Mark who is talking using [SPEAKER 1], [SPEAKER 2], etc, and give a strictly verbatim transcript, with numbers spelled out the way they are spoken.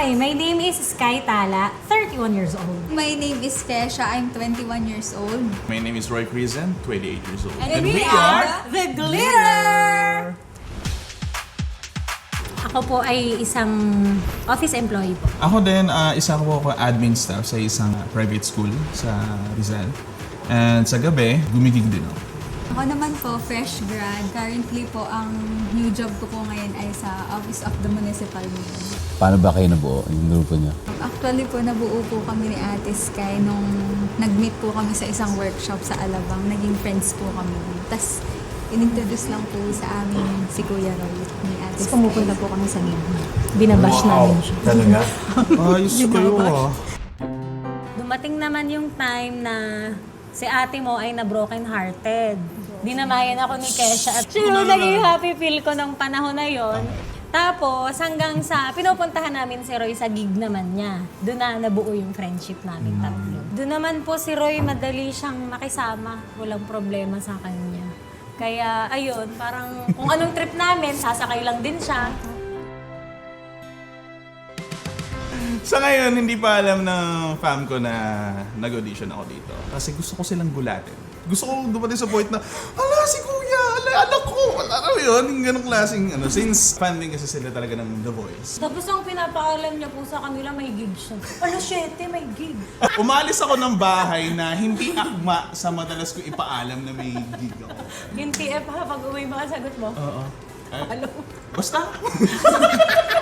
[SPEAKER 1] Hi, my name is Sky Tala, thirty-one years old.
[SPEAKER 2] My name is Kesha. I'm twenty-one years old.
[SPEAKER 3] My name is Roy Crizen, twenty-eight years old.
[SPEAKER 1] And, we, are The Glitter! Ako po ay isang office employee po.
[SPEAKER 3] Ako din, uh, isa ko po admin staff sa isang private school sa Rizal. And sa gabi, gumigig din ako.
[SPEAKER 2] Ako naman po, fresh grad. Currently po, ang new job ko po ngayon ay sa Office of the Municipal Mayor.
[SPEAKER 4] Paano ba kayo nabuo yung grupo niya?
[SPEAKER 2] Actually po, nabuo po kami ni Ate Sky nung nag-meet po kami sa isang workshop sa Alabang. Naging friends po kami. Tapos, inintroduce lang po sa amin si Kuya Roy ni Ate
[SPEAKER 1] Tapos
[SPEAKER 2] Sky.
[SPEAKER 1] pumupunta po kami sa libo. Binabash namin siya.
[SPEAKER 4] Talaga?
[SPEAKER 3] Ayos kayo ah.
[SPEAKER 1] Dumating naman yung time na si ate mo ay na-broken hearted. Dinamayan ako ni Kesha at sino naging happy feel ko nung panahon na yon. Tapos hanggang sa pinupuntahan namin si Roy sa gig naman niya. Doon na nabuo yung friendship namin tatlo. Doon naman po si Roy madali siyang makisama. Walang problema sa kanya. Kaya ayun, parang kung anong trip namin, sasakay lang din siya.
[SPEAKER 3] Sa ngayon, hindi pa alam ng fam ko na nag-audition ako dito. Kasi gusto ko silang gulatin. Gusto ko dumating sa point na, ala si kuya, ala anak ko, ala ano yun, yung ganong klaseng ano. Since fan din kasi sila talaga ng The Voice.
[SPEAKER 1] Tapos ang pinapaalam niya po sa kanila, may gig siya. Ano, syete, may gig.
[SPEAKER 3] Umalis ako ng bahay na hindi akma sa madalas ko ipaalam na may gig ako.
[SPEAKER 1] Yung T F ha, pag uwi mga sagot mo.
[SPEAKER 3] Oo. Eh,
[SPEAKER 1] Ano?
[SPEAKER 3] basta.